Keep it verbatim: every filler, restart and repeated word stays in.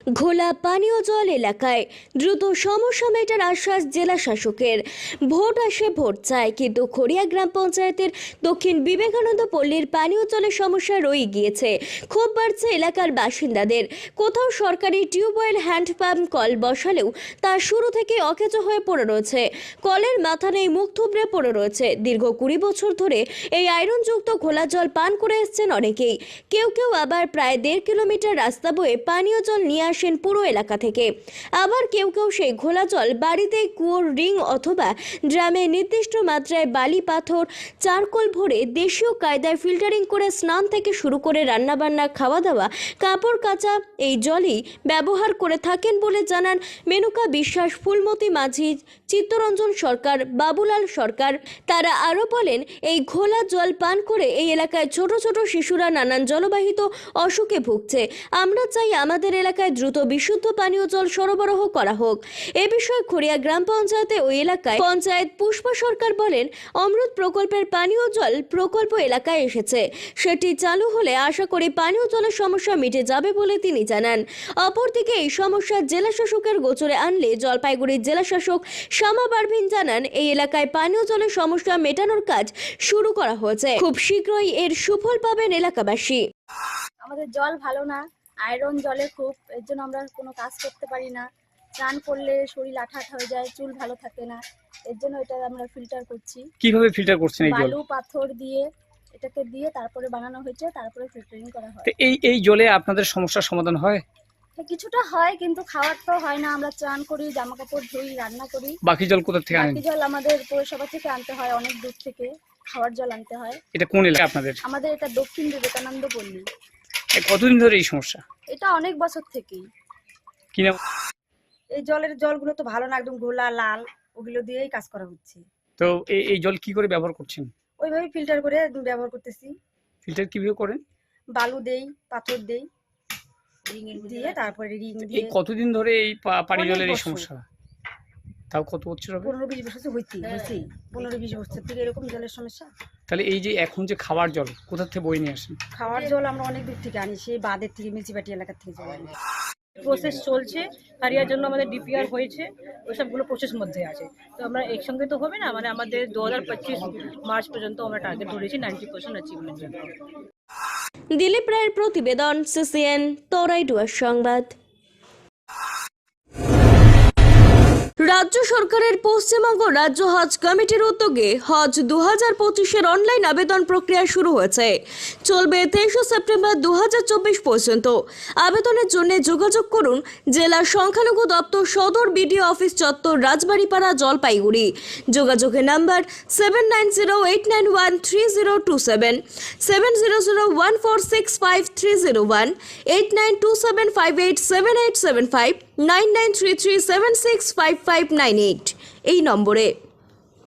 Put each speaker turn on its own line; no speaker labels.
ঘোলা পানীয় জল এলাকায় দ্রুত সমস্যা মেটার আশ্বাস জেলা শাসকের। ভোট আসে ভোট চায়, কিন্তু খড়িয়া গ্রাম পঞ্চায়েতের দক্ষিণ বিবেকানন্দ পল্লীর পানীয় জলের সমস্যা রয়ে গিয়েছে। ক্ষোভ বাড়ছে এলাকার বাসিন্দাদের। কোথাও সরকারি টিউবওয়েল, হ্যান্ড পাম্প কল বসালেও তা শুরু থেকে অকেজো হয়ে পড়ে রয়েছে। কলের মাথা নেই, মুখ থুবড়ে পড়ে রয়েছে। দীর্ঘ কুড়ি বছর ধরে এই আয়রনযুক্ত ঘোলা জল পান করে এসছেন অনেকেই। কেউ কেউ আবার প্রায় দেড় কিলোমিটার রাস্তা বয়ে পানীয় জল নিয়ে আসেন পুরো এলাকা থেকে। আবার কেউ কেউ সেই ঘোলা জল বাড়িতে কুয়োর রিং অথবা ড্রামে নির্দিষ্ট মাত্রায় বালি, পাথর, চারকোল ভরে দেশীয় কায়দায় ফিল্টারিং করে স্নান থেকে শুরু করে রান্নাবান্না, খাওয়া দাওয়া, কাপড় কাচা এই জলই ব্যবহার করে থাকেন বলে জানান মেনকা বিশ্বাস, ফুলমতি মাঝি, চিত্তরঞ্জন সরকার, বাবুলাল সরকার। তারা আরও বলেন, এই ঘোলা জল পান করে এই এলাকায় ছোট ছোট শিশুরা নানান জলবাহিত অসুখে ভুগছে। আমরা চাই আমাদের এলাকায় দ্রুত বিশুদ্ধ পানীয় জল সরবরাহ করা হোক। এ বিষয়ে খড়িয়া গ্রাম পঞ্চায়েতে ওই এলাকায় পঞ্চায়েত পুষ্পা সরকার বলেন, অমৃত প্রকল্পের পানীয় জল প্রকল্প এলাকায় এসেছে। সেটি চালু হলে আশা করি পানীয় জলের সমস্যা মিটে যাবে বলে তিনি জানান। অপরদিকে এই সমস্যা জেলা শাসকের গোচরে আনলে জলপাইগুড়ির জেলা শাসক শ্যামা পারভিন জানান, এই এলাকায় পানীয় জলের সমস্যা মেটানোর কাজ শুরু করা হয়েছে। খুব শীঘ্রই এর সুফল পাবেন এলাকাবাসী।
আমাদের জল ভালো না, আয়রন জলে খুব, এর জন্য আমরা কোনো কাজ করতে পারি না। স্নান করলে শরীর আঠা আঠা হয়ে যায়, চুল ভালো থাকে না। এর জন্য এটা আমরা ফিল্টার করছি।
কিভাবে ফিল্টার করছেন এই জল?
বালু, পাথর দিয়ে এটাকে দিয়ে তারপরে বানানো হয়েছে, তারপরে ফিল্টারিং করা হয়।
তো এই এই জলে আপনাদের সমস্যার সমাধান হয়?
কিছুটা হয়, কিন্তু খাওয়ার তো হয় না। আমরা চান করি, জামা কাপড় ধুই, রান্না করি।
বাকি জল কোথা থেকে আনেন?
বাকি জল আমাদের পৌরসভা থেকে আনতে হয়, অনেক দূর থেকে খাওয়ার জল আনতে হয়।
এটা কোন এলাকা আপনাদের?
আমাদের এটা দক্ষিণ বিবেকানন্দ পল্লী।
কতদিন ধরে এই সমস্যা?
এটা অনেক বছর থেকেই।
কি নাম?
এই জলের জলগুলো তো ভালো না, একদম ঘোলা লাল, ওগুলো দিয়েই কাজ করা হচ্ছে।
তো এই এই জল কি করে ব্যবহার করছেন?
ওইভাবে ফিল্টার করে ব্যবহার করতেছি।
ফিল্টার কিভাবে করেন?
বালু দেই, পাথর দেই, দিয়ে তারপরে রিং
এই
দিয়ে।
কতদিন ধরে এই পা- পানি
অনেক
জলের এই
বছর।
সমস্যা? তাও কত বছর হবে?
পনেরো বিশ বছর হইতে হয়েছে, পনেরো বিশ বছর থেকে এরকম জলের সমস্যা।
তাহলে এই যে এখন যে খাবার জল কোথা থেকে বয়ে নিয়ে আসেন?
খাওয়ার জল আমরা অনেক দূর থেকে আনি, সেই বাঁধের থেকে, মিউনিসিপালিটি এলাকা থেকে জল আনি।
প্রসেস চলছে, কারিয়ার জন্য আমাদের ডিপিআর হয়েছে, ওইসবগুলো প্রসেস মধ্যে আছে। তো আমরা একসঙ্গে তো হবে না, মানে আমাদের দু হাজার পঁচিশ মার্চ পর্যন্ত আমরা টার্গেট ধরেছি নাইনটি পার্সেন্ট অ্যাচিভমেন্ট জন্য।
দিলীপ রায়ের প্রতিবেদন, সিসিএন তরাইডুয়ার সংবাদ। রাজ্য সরকারের পশ্চিমবঙ্গ রাজ্য হজ কমিটির উদ্যোগে হজ দু হাজার পঁচিশের অনলাইন আবেদন প্রক্রিয়া শুরু হয়েছে। চলবে তেইশে সেপ্টেম্বর দু হাজার চব্বিশ পর্যন্ত। আবেদনের জন্য যোগাযোগ করুন জেলা সংখ্যালঘু দপ্তর, সদর বিডিও অফিস চত্বর, রাজবাড়িপাড়া, জলপাইগুড়ি। যোগাযোগের number seven nine zero eight nine one three zero two seven, seven zero zero one four six five three zero one, eight nine two seven five eight seven eight seven five, nine nine three three seven six five five nine eight এই নম্বরে।